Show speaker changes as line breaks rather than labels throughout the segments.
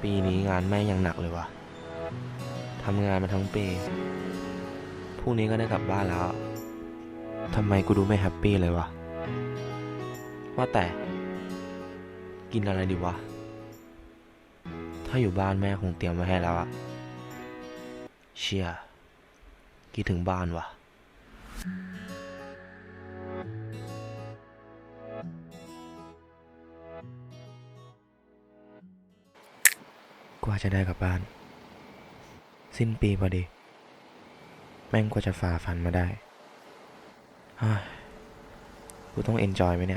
ปีนี้งานแม่งยังหนักเลยวะทำงานมาทั้งปีพรุ่งนี้ก็ได้กลับบ้านแล้วทำไมกูดูไม่แฮปปี้เลยวะว่าแต่กินอะไรดีวะถ้าอยู่บ้านแม่คงเตรียมไว้ให้แล้วอะเชี่ยคิดถึงบ้านวะกว่าจะได้กลับบ้านสิ้นปีพอดีแม่งกว่าจะฝ่าฟันมาได้กูต้องเอนจอยไหมเนี่ย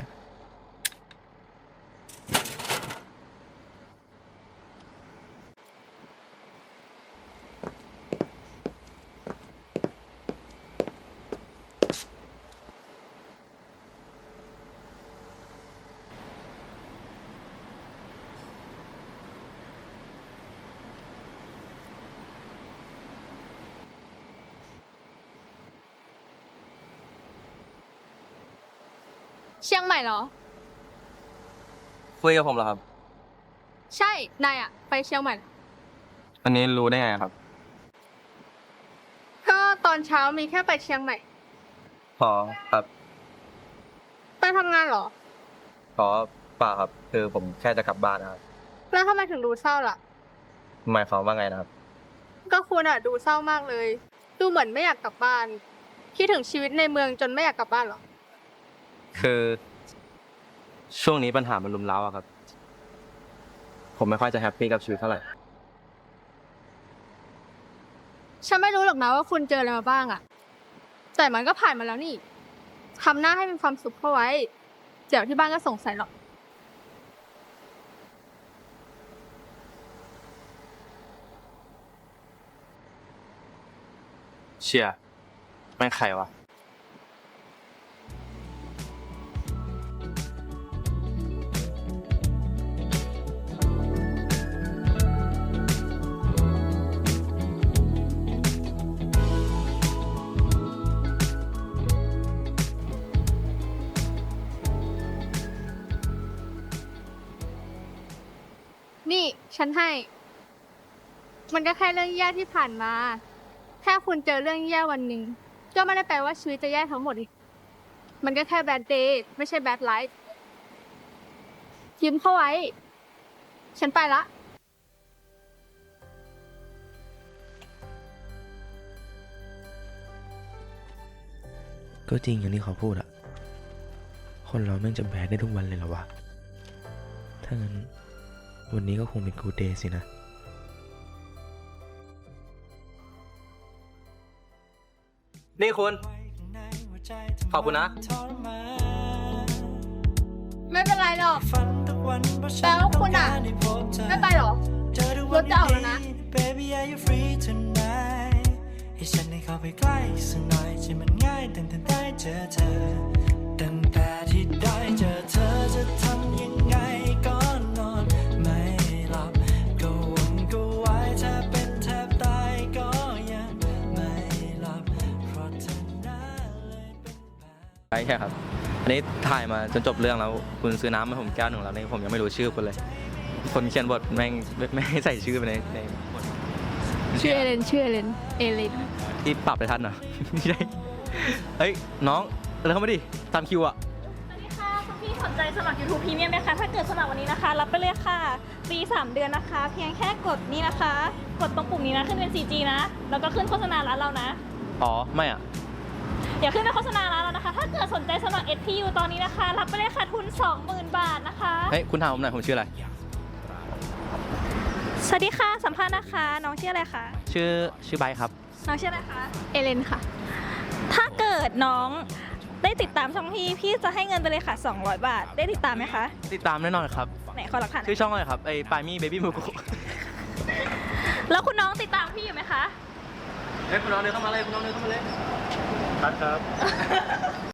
เชียงใหม่เหรอ
คุยกับผมเหรอครับ
ใช่ นายอะไปเชียงใหม่
อันนี้รู้ได้ไงครับ
ก็ตอนเช้ามีแค่ไปเชียงใหม่
พอครับ
ไปทำงานเหรอ
ขอเปล่าครับ คือผมแค่จะกลับบ้านนะครับ
แล้วทำไมถึงดูเศร้าล่ะ
หมายความว่าไงนะครับ
ก็คุณอะดูเศร้ามากเลย ดูเหมือนไม่อยากกลับบ้าน คิดถึงชีวิตในเมืองจนไม่อยากกลับบ้านเหรอ
คือช่วงนี้ปัญหามันรุมเร้าอะครับ ผมไม่ค่อยจะแฮปปี้กับชีวิตเท่าไหร่
ฉันไม่รู้หรอกนะว่าคุณเจออะไรมาบ้างอะแต่มันก็ผ่านมาแล้วนี่ทำหน้าให้มีความสุขเข้าไว้ เดี๋ยวที่บ้านก็สงสัยหรอก
เชี่ยแม่งใครวะ
นี่ฉันให้ มันก็แค่เรื่องแย่ที่ผ่านมา แค่คุณเจอเรื่องแย่วันหนึ่งก็ไม่ได้แปลว่าชีวิตจะแย่ทั้งหมดอีกมันก็แค่ bad day ไม่ใช่ bad life ยิ้มเข้าไว้ ฉันไปละ
ก็จริงอย่างที่เขาพูดอะคนเราแม่งจะแบดได้ทุกวันเลยเหรอวะถ้างั้นวันนี้ก็คงเป็นกูเดย์สินะ
นี่คุณ ขอบคุณนะ
ไม่เป็นไรหรอกแล้วคุณอะไม่ไปหรอรถจะออกแล้วนะ
ให้ฉันได้เข้าไปใกล้สักหน่อยที่มันง่ายตั้งแต่ได้เจอเธอตั้งแต่ที่ได้เจอเธอจะทำยังไงก่อนนอนไม่หลับก็วนก็วายถ้าเป็นแทบตายก็ยังไม่หลับเพราะเธอน่าเลยเป็นแบบ
ใช่ครับ อันนี้ถ่ายมาจนจบเรื่องแล้ว คุณซื้อน้ำมาผมแก้วหนึ่งแล้วนี่ผมยังไม่รู้ชื่อคุณเลย คนเขียนบทแม่งไม่ให้ใส่ชื่อไปในบท
ชื่อเอเลนเอเลน
ที่ปรับไปทันเหรอ ไม่ใช่เฮ้ยน้องเลยเข้ามาดิตามคิวอะ
สวัสดีค่ะคุณพี่สนใจสมัคร YouTube Premium ไหมคะ ถ้าเกิดสมัครวันนี้นะคะ รับไปเลยค่ะฟรี3 เดือนนะคะ เพียงแค่กดนี่นะคะ กดตรงปุ่มนี้นะ ขึ้นเป็น 4G นะ แล้วก็ขึ้นโฆษณาร้านเรานะ
อ๋อไม่อะ
อย่าขึ้นเป็นโฆษณาร้านเรานะคะ ถ้าเกิดสนใจสมัคร SPU ตอนนี้นะคะ รับไปเลยค่ะทุน 20,000 บาทนะคะ
เฮ้ยคุณถามผมหน่อยผมชื่ออะไร
สวัสดีค่ะ สัมภาษณ์นะคะ น้องชื่ออะไรคะ
ชื่อไบค์ครับ
น้องชื่ออะไรคะ
เอเลนค่ะ
ถ้าเกิดน้องได้ติดตามช่องพี่จะให้เงินไปเลยค่ะ 200 บาท ได้ติดตามไหมคะ
ติดตามแน่นอนครับ
ไหนขอหลักฐานหน่
ชื่
อ
อย ช่องอะไรครับไอ้ปามี่เบบี้มูกุ
แล้วคุณน้องติดตามพี่อยู่ไหมคะ
เฮ้ยคุณน้องเดินเข้ามาเลยคุณน้องเดินเข้ามาเลยครับ